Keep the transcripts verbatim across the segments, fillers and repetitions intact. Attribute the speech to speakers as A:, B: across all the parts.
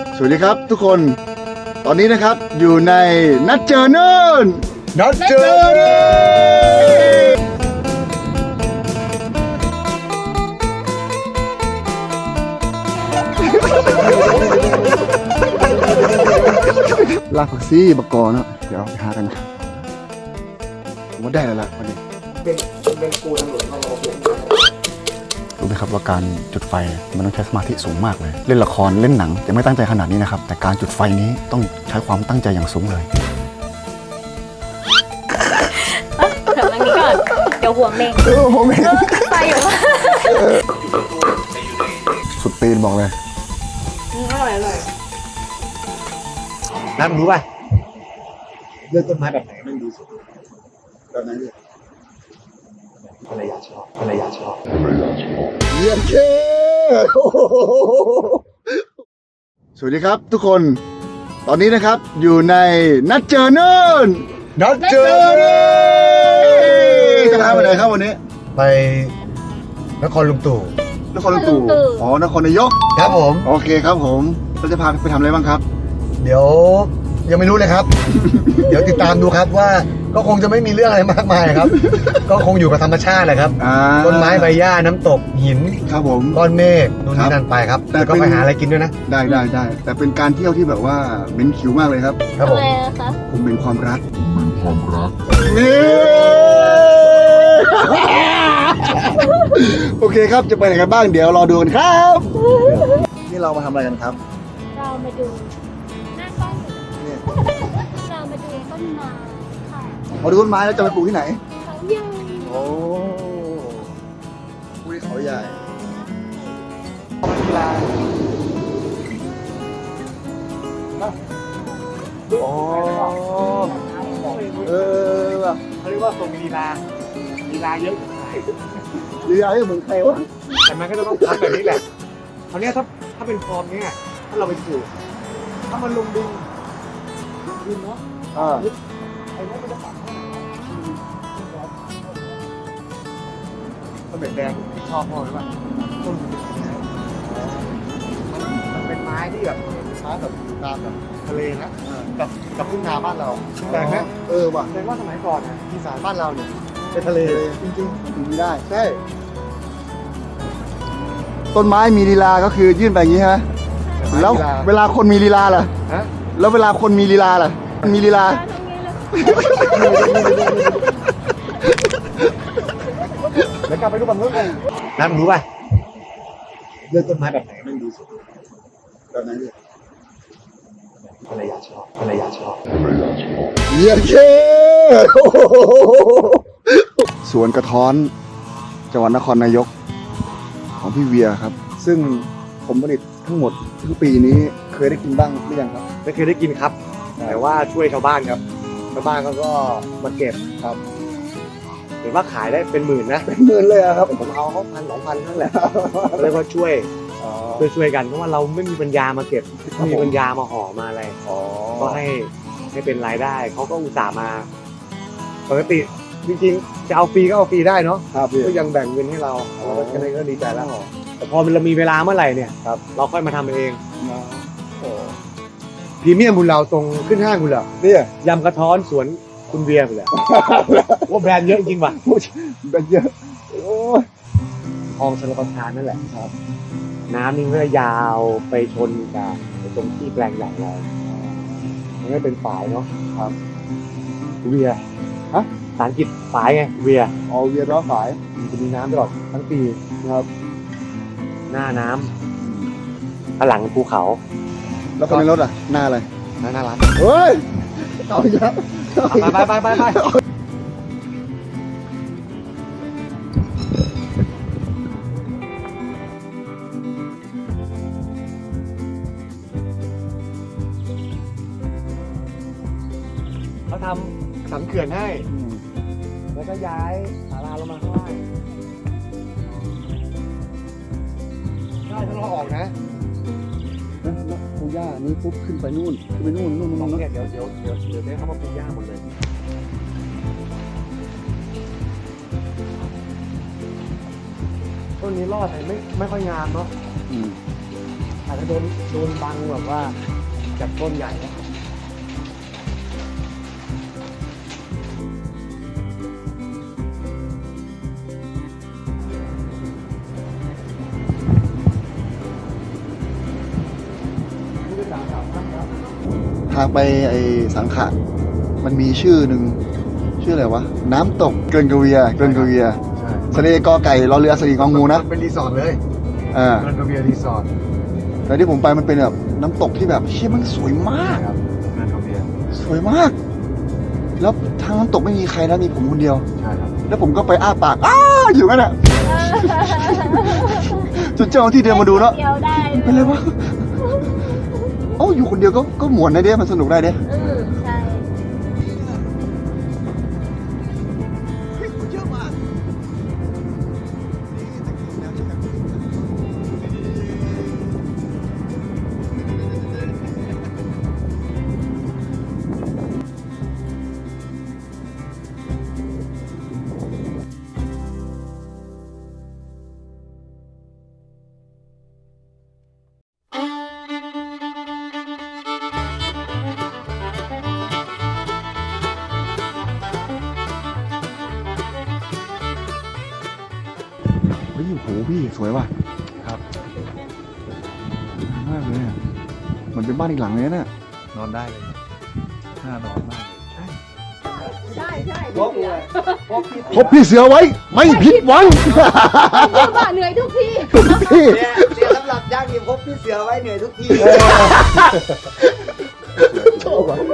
A: สวัสดีครับทุกคนตอนนี้นะครับอยู่ในนัดเจอเนินนัดเจอเนินลากผักซี่บกกอเนาะเดี๋ยวไปหากันครับผมว่าได้แล้วล่ะวันนี้เป็นเป็นกูตำรวจมาโอเครู้ไหมครับว่าการจุดไฟมันต้องใช้สมาธิสูงมากเลยเล่นละครเล่นหนังจะไม่ตั้งใจขนาดนี้นะครับแต่การจุดไฟนี้ต้องใช้ความตั้งใจอย่างสูงเลย
B: เดี๋ยวนั่งนี้ก่อนเดี๋ยวหัวเมง
A: เออหัวเมง
B: ไฟอยู่มาก
A: สุดตีนบอกเลย
B: อร่อยอร่อย
C: น้ำรู้ป่ะเลือกต้นไม้แบบไหนมันดีสุด
A: แบบนั้นเลย
C: ภรรยาชอบภรรยาชอบ
A: เยี่ยมเช่สวัสดีครับทุกคนตอนนี้นะครับอยู่ในนัดเจอเนินนัดเจอเนินจะพาไปไหนครับวันนี้
C: ไปนครลุงตู่
A: นครลุงตู่อ๋อนครนายก
C: ครับผม
A: โอเคครับผมเราจะพาไปทำอะไรบ้างครับ
C: เดี๋ยวยังไม่รู้เลยครับ เดี๋ยวติดตามดูครับว่าก็คงจะไม่มีเรื่องอะไรมากมายครับ ก็คงอยู่กับธรรมชาติแหละครับ
A: อ่า
C: ต้นไม้ใบหญ้าน้ำตกหิน
A: ครับผม
C: ก้อนเมฆนู่นนี่นั่นไปครับ
A: แต่
C: แล้วก็
A: เป็น
C: ไปหาอะไรกินด้วยนะ
A: ได้ได้ได้แต่เป็นการเที่ยวที่แบบว่าเหม็นขิวมากเลยครับ
C: ครับผม
B: อะไรนะคะ
A: ผมเป็นความรักเป็นความรักนี่โอเคครับจะไปไหนกันบ้างเดี๋ยวรอดูกันครับนี่เรามาทำอะไรกันครับ
B: เรามาดูหน้ากล้อง
A: เนี่ย
B: เรามาดูต้นไม้ค่ะ
A: มาดูต้นไม้แล้วจะไปปลูกที่ไหน
B: เขาใหญ่
A: โอ้ปลูกที่เขาใหญ่โอ้เออว่ะ
C: เขาเรียกว่าทรงลีลาลีลาเยอะ
A: หรืออะไรเหมือนใครวะ
C: แต่มันก็จะต้องทำแบบนี้แหละคราวนี้ถ้าถ้าเป็นฟอร์มเนี้ยถ้าเราไปปลูกถ้ามันลงดินดินเนาะ
A: อ่า
C: ไอ้นี่มันจะปักต้นเบ็ดแดงที่ชอบพ่อหรือเปล่าต้นมันเป็นไม้ที่แบบไม้แบบตามแบบทะเลนะกับกับทุ่งนาบ้านเราแต่ไหม
A: เออว่ะ
C: แสดงว่าสมัยก่อนนะอีสานบ้านเราเนี่ยเป็นทะเล
A: จริงๆอยู่ไม่ได้ใช่ต้นไม้มีลีลาก็คือยื่นไปอย่างนี้ฮะแล้วเวลาคนมีลีลาล่ะ
C: ฮะ
A: แล้วเวลาคนมีลีลาล่ะมีลีลา
C: แล้วกลับไปดูบังเอิญกันน้ำรู้ป่ะเลือกต้นไม้แบบไหนมันดีสุด
A: แบบนั้นเลย
C: ภรรยาชอบภรรยาชอบ
A: เยี่ยมเช่สวนกระท้อนจังหวัดนครนายกของพี่เวียครับ ซึ่งผมผลิตทั้งหมดทั้งปีนี้เคยได้กินบ้างหรือยังครับ
C: ไม่เคยได้กินครับ แต่ว่าช่วยชาวบ้านครับชาวบ้านเขาก็มาเก็บครับเห็นว่าขายได้เป็นหมื่นนะ
A: เป็นหมื่นเลยอะครับ
C: ผมเอาเขาพันสองพันนั่นแหละเรียกว่าช่วย
A: อ๋อ
C: ช่วยช่วยกันเพราะว่าเราไม่มีปัญญามาเก็บไม่มีปัญญามาห่อมาอะไร
A: อ๋อ
C: ก็ให้ให้เป็นรายได้เขาก็อุตส่าห์มาปกติจริงๆจะเอาฟรีก็เอาฟรีได้เนาะ
A: ครับพี่
C: ก็ยังแบ่งเงินให้เรา
A: อ๋อ
C: เราก็ก็ดีใจแล้วแต่พอมันเรามีเวลาเมื่อไหร่เนี่ยครับเราค่อยมาทำเอง
A: โอ้
C: พรีเมียมคุณเราตรงขึ้นห้างคุณเหรอ
A: เนี่ย
C: ยำกระท้อนสวนคุณเบียร์เลยว่าแบรนด์เยอะจริงว่ะ
A: เป็นเยอะโอ้ย
C: คลองชลประทานนั่นแหละครับ น้ำนี่ก็ยาวไปชนกับตรงที่แปลงใหญ่เรามันก็เป็นฝายเนาะครับเวียฮะภาษาอังกฤษฝายไงเวีย
A: เอาเวียนร้อฝาย
C: มันจะมีน้ำตลอดทั้งปีนะครับ หน้าน้ำข้างหลังภูเขา
A: แล้วคนในรถอ่ะหน้าอะไร
C: น่าน่ารัก
A: เฮ้ยเอาอีกแล้ว
C: ไปไปไปไปไปเขาทำสันเขื่อนให้ แล้วก็ย้ายศาลาลงมาข้างล่างได้ถ้าเราออกนะ
A: แล้วปูย่านี่ปุ๊บขึ้นไปนู่นขึ้นไปนู่นนู่นนู่น
C: ตรง
A: นู่น
C: เนี้ยเดี๋ยวเดี๋ยวเดี๋ยวเดี๋ยวได้เข้ามาปลูกหญ้าหมดเลยต้นนี้รอดแต่ไม่ไม่ค่อยงามเนาะ
A: อืม
C: ตอาจจะโดนโดนบังแบบว่าจากต้นใหญ่นะ
A: ทางไปไอ้สังขะมันมีชื่อหนึ่งชื่ออะไรวะ น้ำตกเกินกเวียเกินกเวีย
C: ใช่
A: สระเอกอไก่รอเรือสรีกองูนะ
C: เป็นรีสอร์ทเลย
A: อ่า
C: เกินกระเบียรีสอร์ท
A: แต่ที่ผมไปมันเป็นแบบน้ำตกที่แบบเชี่ยมันสวยมาก
C: ครับเกินกระเบีย
A: สวยมาก แล้วทางน้ำตกไม่มีใครนะมีผมคนเดียว
C: ใช่ครับ
A: แล้วผมก็ไปอ้าปากอ้าอยู่นั่นแหละจนเจ้าหน้าที่เดินมาดูแล้ว
B: เดียวได้
A: เป็นไรวะเอ้าอยู่คนเดียวก็ก็หมวนได้เด้มันสนุกได้เด้
B: อืมใช่
A: เยอะมากเฮ้ยโอ้โหพี่สวยว่ะ
C: ครับ
A: มากเลยอะเหมือนเป็นบ้านอีกหลังเลยนะเนี่ย
C: นอนได้เลยน่านอนมากเลย
B: ใช่ใช่
C: พวกเลยพวกพี่
A: พบพี่เสือไว้ ไม่ผิดหวัง
B: ว่าเหนื่อยทุกที
A: พี่
D: เนี่ยเนี่ยสำหรับย่างนี่พบพี่เสือไว้เหนื่อยทุกที
A: ชอบอ่ะ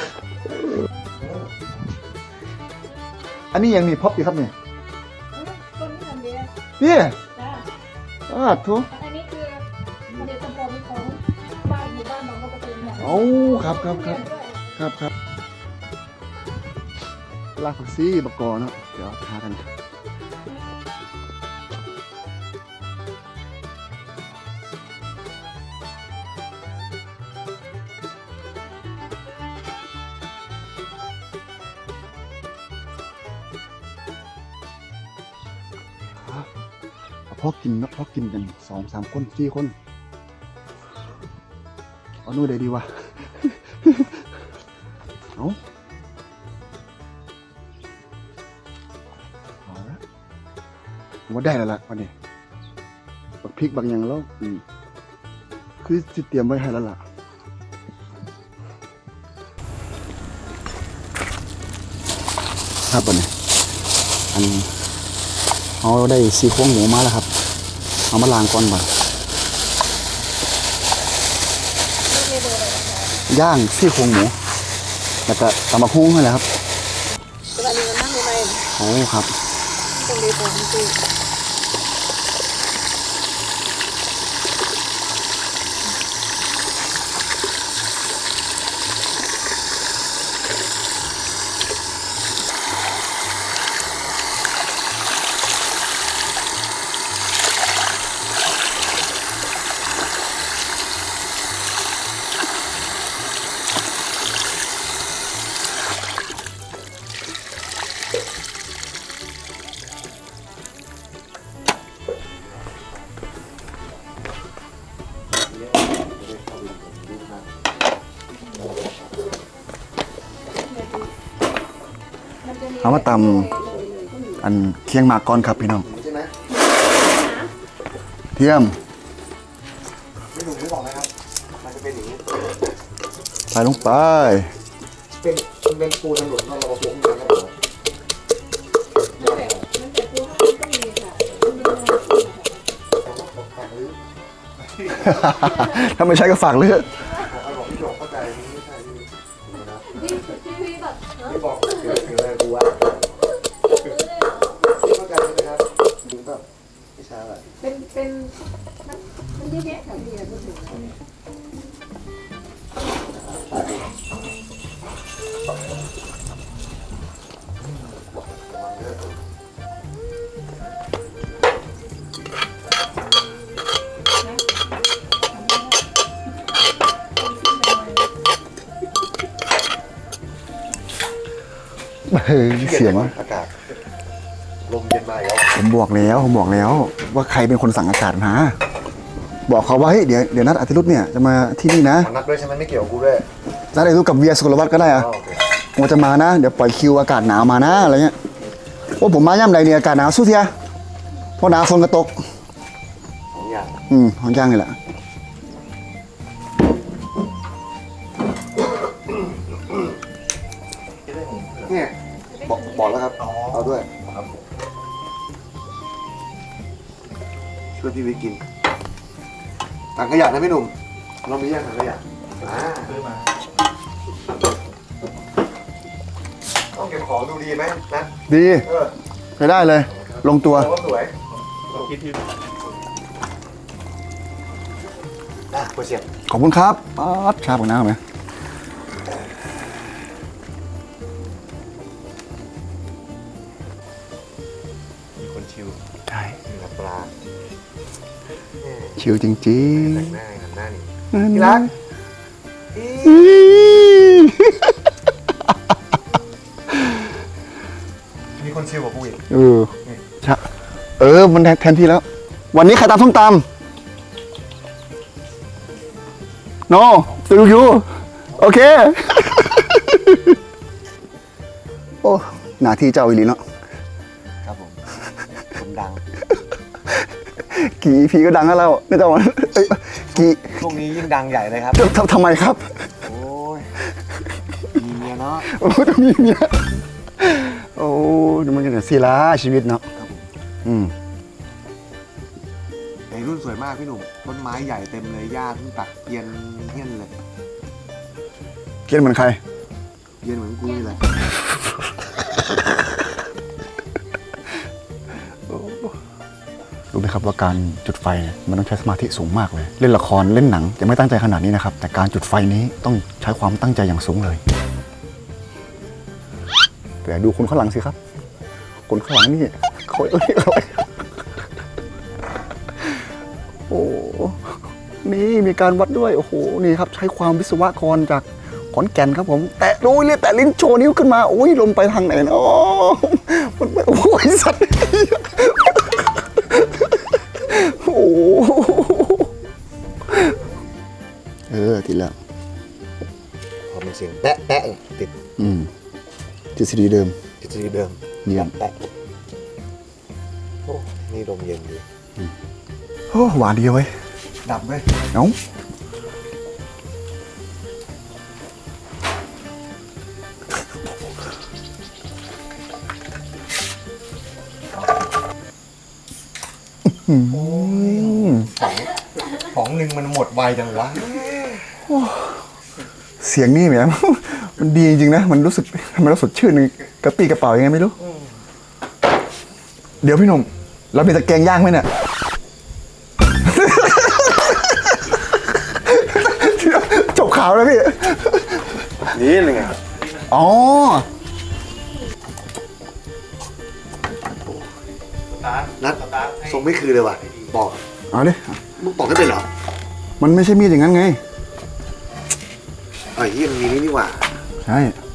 A: อันนี้ยังมีพบอยู่ครับเนี่ย
B: คนที่ทำเนี้ย
A: เนี่ย
B: จ้า
A: อ้าทุ
B: อันนี้คือผลิตภัณฑ์ของบ้านหมู่บ้านบางกะปิเนี่ย
A: เอ้าครับครับครับครับครับลากผักซี่บกกอเนาะเดี๋ยวหากันพอกินนะพอกินกันสองสามคนสี่คนเอานู่นได้ดีวะ เอาเอาละผมว่าได้แล้วล่ะวันนี้บักพริกบางอย่างแล้วอืมคือสิเตรียมไว้ให้แล้วล่ะครับวันนี้อันเอาได้ซี่โครงหมูมาแล้วครับเอามาล้างก่อนก่อนย่างซี่โครงหมูแล้วก็ตำบักหุ่งนั่นแหละครับ
B: สวัสดีกันมากเลย
A: โอ้ครับ
B: ตรงนี้ผมคือ
A: เอามาตำอันเคียงหมากก่อนครับพี่น้อง
D: ใช่ไหม
A: เทียม
D: ไม่หนุ่มไม่บอกนะครับ มันจะเป็นอย่างนี้
A: ใส่ลงไป
D: เป็นมันเป็นปูตำรวจนอกระบบพวกนี้นะครับผม
A: ถ้าไม่ใช่ก็ฝากเลือก
D: บอกให้บอกพี่โจเข้าใจนี่ไม่ใช่นี่นะ
B: พี่พี่แบบ
D: ไม่บอกเดี๋ยวถึงอะไรกูวะเข้าใจใช่ไหมครับถึงแบบไม่ใช่อะไร
B: เป็นเป็นมันเยอะแยะแถวนี้พูดถึง
A: เฮ้ยเสียงวะ
D: อากาศลมเย็นมาแล้ว
A: ผมบอกแล้วผมบอกแล้ว ว่าใครเป็นคนสั่งอากาศมาบอกเขาว่าเฮ้ยเดี๋ยวเดี๋ยวนัดอาทิรุธเนี่ยจะมาที่นี่นะ
D: นัดด้วยใช่ไหมไม่เกี่ยวกับกูด้วย
A: นัดอาทิรุธกับเวียสุกลวัฒน์ก็ได้อะ
D: อ๋อโอเค
A: ผมจะมานะเดี๋ยวปล่อยคิวอากาศหนาวมานะอะไรเงี้ยโอ้ผมมาย่ำใดเนี่ยอากาศหนาวสู้เทียเพราะหนาวฝนกระตก
C: สองอย่าง
A: อืมของย่างนี่แหละเนี่ยบอกบอกแล้วครับเอาด้วยช่วยพี่วิทย์กินถังขยะนะพี่หนุ่มเรามีแยกถังขยะอ่า
D: ซื้อมา
C: ต้องเก็บของดูดีไหมนะ
A: ดี
C: เออ
A: ใช้ได้เลย ลงตัว
C: โอ้สวย
D: เราคิดที่
C: อ่ะโปรเซียน
A: ขอบคุณครับป๊าดชาบกับน้ำไหม
C: มีคนชิว
A: ใช่
C: มีน้ำปลา
A: ชิวจริง
C: แต่งหน้าทำหน้านี่
A: ๆ
C: ที่รัก
A: อี๋
C: มีคนชิวกว่ากูอีก
A: เออชะเออมันแทนที่แล้ว วันนี้ใครตำส้มตำโนตูยูโอเค โอ้หน้าที่เจ้าอีหลีเนาะ
C: ครับผมผมดัง
A: กี่พีก็ดังแล้วเราไม่ต้องเอ้ยกี่
C: ช่วงนี้ยิ่งดังใหญ่เลยครับ
A: ทำทำไมครับ
C: โอ้ยมีเมียเนาะ
A: โอ้ต้องมีเมียโอ้ดูมันกันสิละชีวิตเนาะ
C: ครับผม
A: อืม
C: ไอ้รุ่นสวยมากพี่หนุ่มต้นไม้ใหญ่เต็มเลยหญ้าเพิ่งตัดเกรียนเฮี้ยนเลย
A: เกียนเหมือนใคร
C: เกรียนเหมือนกูนี่แหละ
A: รู้ไหมครับว่าการจุดไฟเนี่ยมันต้องใช้สมาธิสูงมากเลย เล่นละครเล่นหนังจะไม่ตั้งใจขนาดนี้นะครับ แต่การจุดไฟนี้ต้องใช้ความตั้งใจอย่างสูงเลยแต่ดูคนข้างหลังสิครับ คนข้างหลังนี่เขาเอ้ยอะไรโอ้นี่มีการวัดด้วยโอ้โหนี่ครับใช้ความวิศวกรจากขอนแก่นครับผม แต่โอ้ยเรียกแต่ลิ้นโชว์นิ้วขึ้นมาโอ้ยลมไปทางไหนเนาะมันไม่โอ้ยสัตว์โอ้เออติดแล้ว
C: พอมันเสียงแปะแปะเนี่ยติด
A: อืมทฤษฎีเดิม
C: ทฤษฎีเดิม
A: เยี่ยม
C: แปะโอ้นี่ลมเย็นดี
A: โอ้หวานดีเว้ย
C: ดับไหม
A: เอ้าอืม
C: ของหนึ่งมันหมดไวจังวะ
A: เสียงนี่แหม มันดีจริงนะ มันรู้สึกทำไมเราสดชื่นกระปรี้กระเป๋ายังไงไม่รู้ เดี๋ยวพี่หนุ่มเรามีตะแกรงย่างไหมเนี่ย จบข่าวแล้วพี่
C: นี่เลยไง
A: อ๋อ
C: นัดทรงไม่คือเลยว่ะบอก
A: เอาดิ
C: มึงบอกให้เป็นเหรอ
A: มันไม่ใช่มีดอย่างนั้นไง
C: ไอ้ยี่มันมีนี่นี่หว่า
A: ใช่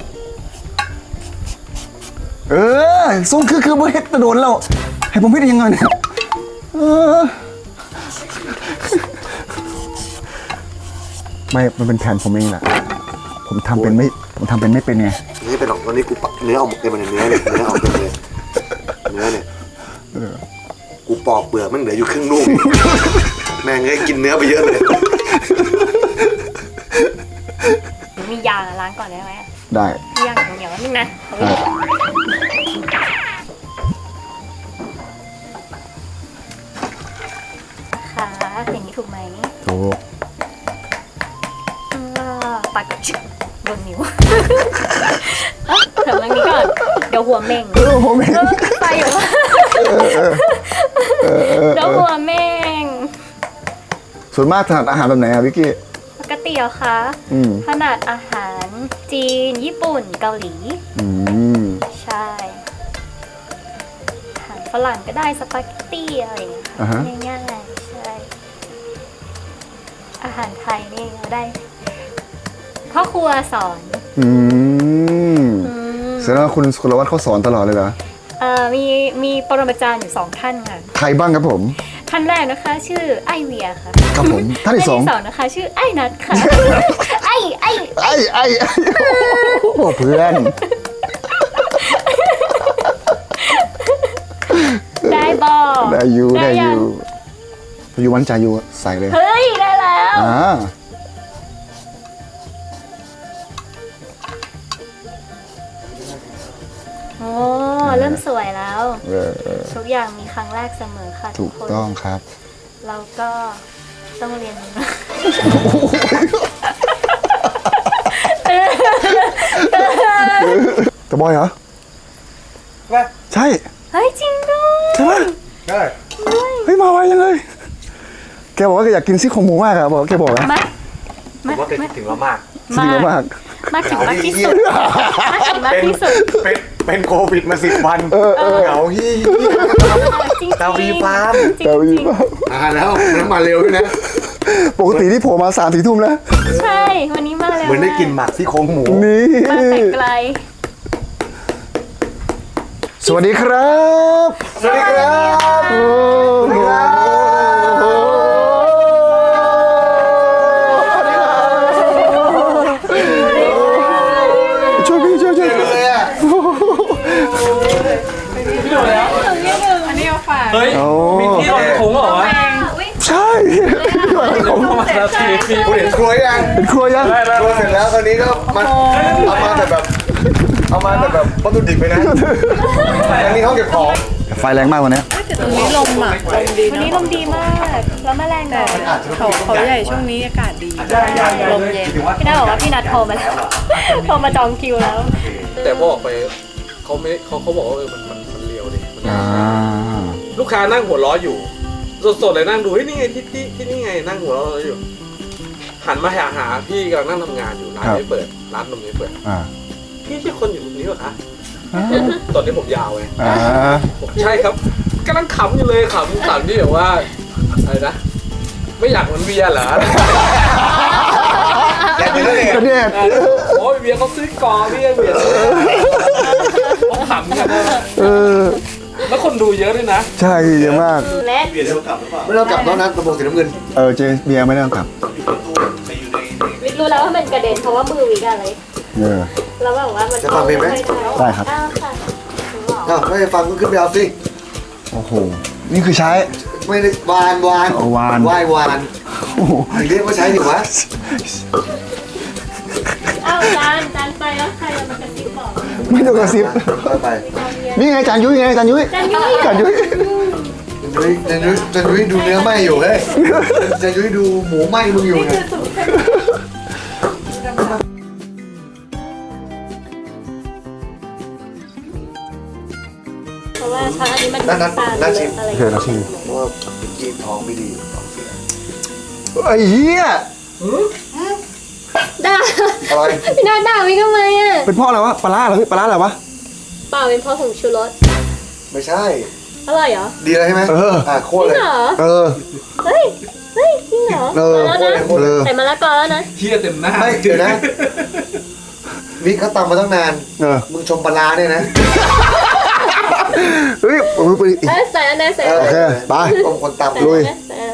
A: เออทรงคือคือบ่เฮ็ดแตะโดนแล้ว ให้ผมเฮ็ดได้ยังไงเนี่ยเออไม่ มันเป็นแผนผมเองแหละ ผมทำเป็นไม่ ผมทำเป็นไม่เป็นไง
C: ไม่เป็นหรอกวันนี้กูปักเนื้อออกเต็มเลยเนื้อเนี่ยเนื้อออกเต็มเลยเนื้อเนี่ยกูปอกเปลือกมันเหลืออยู่ครึ่งลูก แม่งเลยกินเนื้อไปเยอะเลย
B: มียาล้างก่อนได้ไหม
A: ได้
B: มียาเหนียวๆนิดนึงนะเอาไว้ ค่ะอย่างนี้ถูกไหม
A: ถูก
B: อ่าปัดกับชิโดนนิ้วเอ้าเดี๋ยวตรงนี้ก่อน เดี๋ยวหัวเม่ง
A: เออผมเอง
B: เออไปอยู่ว่าเดี๋ยวหัวเม่ง
A: ส่วนมากถนัดอาหารแบบไหนอะวิกกี้
B: ปกติเหรอคะ
A: อืม
B: ถนัดอาหารจีน ญี่ปุ่น เกาหลี
A: อืม
B: ใช่ อาหารฝรั่งก็ได้สปาเกตตี้อะไรอย่างเงี้ย
A: อ่าฮะ
B: ค่ะง่ายๆใช่ อาหารไทยนี่เราได้พ่อครัวสอน
A: อืม
B: อืม
A: แสดงว่าคุณสุรวัตรเขาสอนตลอดเลยเหรอ
B: เอ่อมีมีปรมาจารย์อยู่สองท่านค่ะ
A: ใครบ้างครับผม
B: ท่านแรกนะคะ ชื่อไอเวียค่ะ
A: ครับผมท่านที่สอง
B: ท่านที่สองนะคะ ชื่อไอนัทค่ะ ไอไอ
A: ไอ้ไอ้ไอ้โอ้โหเพื่อน
B: ได้บอ
A: ได้อยู่ได้อ
B: ยัง
A: ยู่อยู่วันใจอยู่ใส่เลย
B: เฮ้ย ได้แล้ว
A: อ่า
B: โอ้เริ่มสวยแล้ว
A: เออเออ
B: ทุกอย่างมีครั้งแรกเสมอค่ะ
A: ถู
B: ทุก
A: ก
B: คน
A: ต้องครับ
B: เราก็ต้องเรียนรู้นะ
A: ตะบอยเหรอ
D: ว่า
A: ใช่
B: เฮ้ย จริงด้วย
A: ใช่ไหม
D: ใช่
A: เฮ้ยมาไวยังเลยแกบอกว่าแกอยากกินซี่โครงหมูมากอะบอกแกบอกนะ
B: มา
C: ผมว่าเป็นถึงแล้วมาก
A: จริงมาก
B: มากถึงมากที่สุดมากถึงมากที่สุด
C: เป็นเป็นโควิดมาสิบวันเหงาฮี่
B: จริงๆ
C: ดาวีฟาร์ม
B: จริงๆ
A: แต่วีมาก
C: อ่าแล้วน้ำมาเร็วด้วยนะ
A: ปกติที่โผล่มาสามสี่ทุ่มแล้ว
B: ใช่ วันนี้มาแล้ว
C: เหมือนได้กินหมักซี่โครงหมู
A: นี่
B: มาแต่ไกล
A: สวัสดีครับ
C: สวัสดีครับ
A: โอ้โหช่วยพี่ช่วยช่วย
C: เลยอ่ะ
E: อันนี้เอาฝาก
F: เฮ้ย
A: โอ้
F: มีที่รองถุงเหรอวะ
A: ใช่
F: ผมเข้ามาแล้วทีพี่
C: คุณเห็นครัวยัง
A: เป็นครัวยัง
C: ครัวเสร็จแล้วคราวนี้ก็มาเอามาแต่แบบเอามาแต่แบบวัตถุดิบไปนะอันนี้ห้องเก็บของ
A: ไฟแรงมากวันนี้
E: แต่ตรงนี้ลมอ่ะลมดี
B: วันนี้
E: เนาะ
B: ลมดีมาก แล้วแมลง
E: แต่
B: น้อย
E: เขาเขาใหญ่ช่วงนี้อากาศดีลมเย็น
B: พี่นาบอกว่าพี่นัดโทรมาแล้ว โทรมาจองคิวแล้ว
F: แต่พอออกไปเขาไม่เขาเขาบอกว่าเออมันมันมันเลียวดิมัน
A: อ่า
F: ลูกค้านั่งหัวล้ออยู่ สดๆเลยนั่งดูเฮ้ยนี่ไงที่ที่ที่นี่ไงนั่งหัวล้ออยู่ หันมาหาหาพี่กำลังนั่งทำงานอยู่ร้านไม่เปิดร้านนมไม่เปิด
A: อ่า
F: พี่ใช่คนอยู่ตรงนี้เหรอคะตอนนี้ผมยาวไง
A: อ่า
F: บอกใช่ครับกำลังขำอยู่เลยขำขำที่แบบว่าอะไรนะไม่อยากเหมือนเบียร์เหรอ
C: อยากเป็นนั่นเอง
A: ก็เนี่ย
F: โอ้ยเบียร์เขาซื้อกอเบียร์เบียร์ซื้อเขาขำกันนะ
A: เออ
F: แล้วคนดูเยอะด้วยนะ
A: ใช่เยอะมาก
B: เล็ก
C: ไม่ต้องกลับแล้วนะกระโปรงสีน้ำเงิน
A: เออเจเบียร์ไม่ได้ต้องกลับ
B: วิทย์รู้แล้วว่ามันกระเด็นเพราะว่ามือวิกอะไร
A: เออ
B: แล้วแบบว่ามัน
C: จะฟังเพลงไหม
A: ได้ครับ
B: อ้าวค่ะรู้เหรอ
C: อ้าวไม่ได้ฟังก็ขึ้นไปเอาสิ
A: โอ้โห นี่คือใช้
C: ไม่ได้วานวาน
A: เอาวาน
C: ไหว้วาน
A: โอ้โห
C: เรียกว่าใช้ดิวะ
B: อ้าวจานจานไปแล้วใครจะมากระซิบบอก
A: ไม่ต้องกระซิบ
C: ไปไป
A: นี่ไงจานยุ้ยไงจานยุ้ย
B: จานยุ้ย
A: จานยุ้ย
C: จันยุ้ยจันยุ้ยจันยุ้ยดูเนื้อไหมอยู่เฮ้ยจันยุ้ยดูหมูไหมมึงอยู่ไง
B: เพราะว่าช้อนอันนี้มัน
C: นั่นนั่น
B: ตาล
C: นั่นชิม
B: อะไร
A: โอเคนะชิม
C: เพราะว่าเมื่อกี้ท้องไม่ดีท้องเสีย
A: ไอ้เหี้ย
B: ด่า
C: อะไร
B: พี่นาด่าวิทำไมอ่ะ
A: เป็นเพ่ออะไรวะปลาร้าเหรอพี่ปลาร้าอะไรวะ
B: เปล่าเป็นเพราะผงชูรส
C: ไม่ใช่
B: อร่อยเหรอ
C: ดีเลยใช่ไหม
A: เออ
C: อ่ะโค
B: จ
C: ตร
B: ริ
C: เล
B: ง
C: ย
B: เหรอ
A: เออ
B: เฮ้ยเฮ้ยจริงเหรอ
A: เออ
B: มาแล้วนะ
A: เออ
B: ใส่มะละกอแล้วนะ
F: เฮียเต็มหน้า
C: ไม่เดี๋ยวนะวิกเขาตำมาตั้งนาน
A: เออ
C: มึงชมปลาร้าเนี่ยนะ
A: เฮ้ยโอ้ยไปอีก
B: เอ้ยใส่อันไหนใส่
C: เอ
B: อัน
C: อ
B: ไหน
A: โอเคไป
C: ชมคนตำ
B: ใส่
A: ลุย
B: อันไหนใส่อันไหน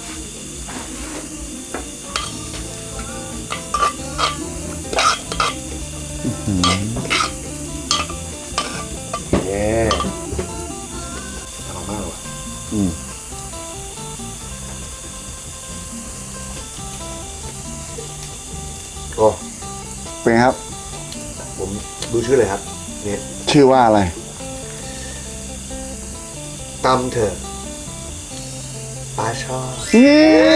C: เย้อร่อยมากเลยว่ะ
A: อืม
C: โอ้
A: เป็นไงครับ
C: ผมดูชื่อเลยครับเนี่ย
A: ชื่อว่าอะไร
C: ตำเถอะปลาชอบ
A: นี่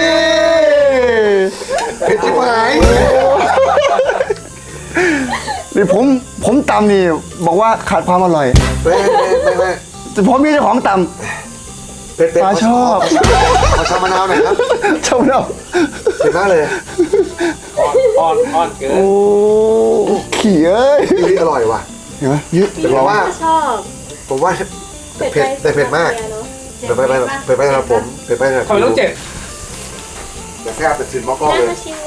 C: เผ็ดชิบหาย
A: นี่ผมผมตำนี่บอกว่าขาดความอร่อย
C: ไม่ไม่ไม่ไม่
A: แต่ผมมีเจ้าของต
C: เผ็ดเผ็ด
A: ปลาชอบ
C: ขอชามมะนาวหน่อยครับ
A: ำชอบเรา
C: เผ็ดมากเลย
F: อ่อนอ่อนอ่อนเกิน
A: โอ้ขี่เอ้ย
C: นี่อร่อยว่ะ
A: เห็นไหมยืด
C: แต่ผมว่า
B: ชอบ
C: ผมว่าเผ็ดแต่เผ็ดมาก เผ็ดไปไปเผ็ดไปสำหรับผมเผ็ดไปสำหรับ
F: ทำไมต้องเจ็ด
C: แต่แซ่บแต่ถึงมอก
B: น่า
C: ๆเลย
B: มาชิมเลย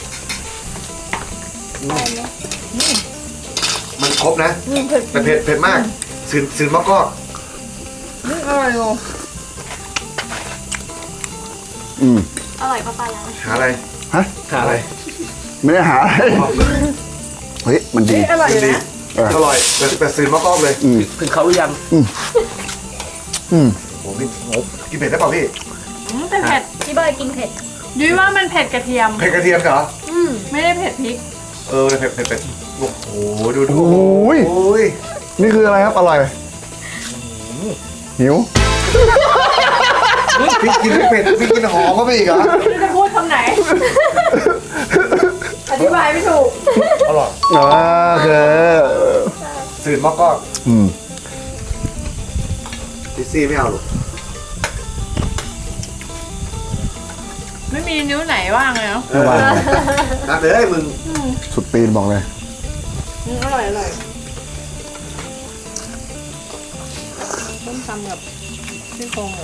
C: มันครบนะ แต่เผ็ดเผ็ดมากสื่นสื่นมอกๆ
E: อร่อยอยู่
A: อืม
B: อร่อยปะปลายัง
D: หาอะไร
A: ฮะ
F: หาอะไร
A: ไม่ได้หาอะไรเฮ้ยมันดี
E: อร่อยนะ
A: เออ
D: อร่อยแต่แต่สื่นมากล้องเลย
A: อืม
F: ถึงเขาหรือยัง
A: อืม
D: โอ้โหพี่โอ้กินเผ็ดได้เปล่าพี่
E: อืมแต่เผ็ด
B: พี่บอยกินเผ็ด
E: ยุ้ยว่ามันเผ็ดกระเทียม
D: เผ็ดกระเทียมเหรอ
B: อืม
E: ไม่ได้เผ็ดพริก
D: เออเผ็ดเผ็ดเผ็ดโอ้โหดูดู
A: โอ้ย
D: โอ้ย
A: นี่คืออะไรครับอร่อยหิว
D: พี่กินเผ็ดพี่กินหอมเข้าไปอีกเหรอ
E: ไม่รู้จะพูดคำไหน อธิบายไม่ถูก
D: อร่อย
A: อ่าโอเค
D: สื่นมากกล้อง
A: อืม
D: ดิซี่ไม่เอาหรอก
E: ไม่มีนิ้วไหนว่างเลยเนาะ
A: ไม่ว่า
D: นัดเลยมึง
A: สุดตีนบอกเลย
E: อืมอร่อยอร่อยต้มตำกับซี่โครงหมู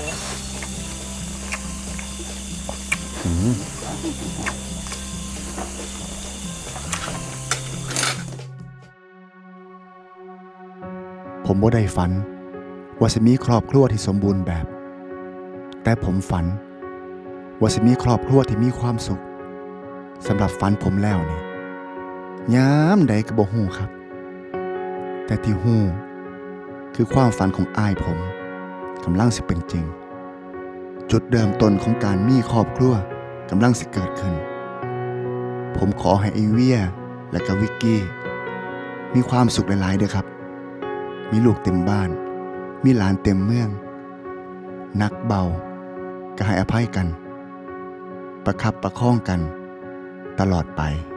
A: ผมบ่ได้ฝันว่าจะมีครอบครัวที่สมบูรณ์แบบ แต่ผมฝันว่าจะมีครอบครัวที่มีความสุขสำหรับฝันผมแล้วนี่ยามใดก็บ่ฮู้ครับ แต่ที่ฮู้คือความฝันของอ้ายผมกำลังสิเป็นจริง จุดเริ่มต้นของการมีครอบครัวกำลังสิเกิดขึ้น ผมขอให้ไอเวียและก็วิกกี้มีความสุขหลายๆเด้อครับ มีลูกเต็มบ้าน มีหลานเต็มเมือง นักเบาก็ให้อภัยกัน ประคับประคองกันตลอดไป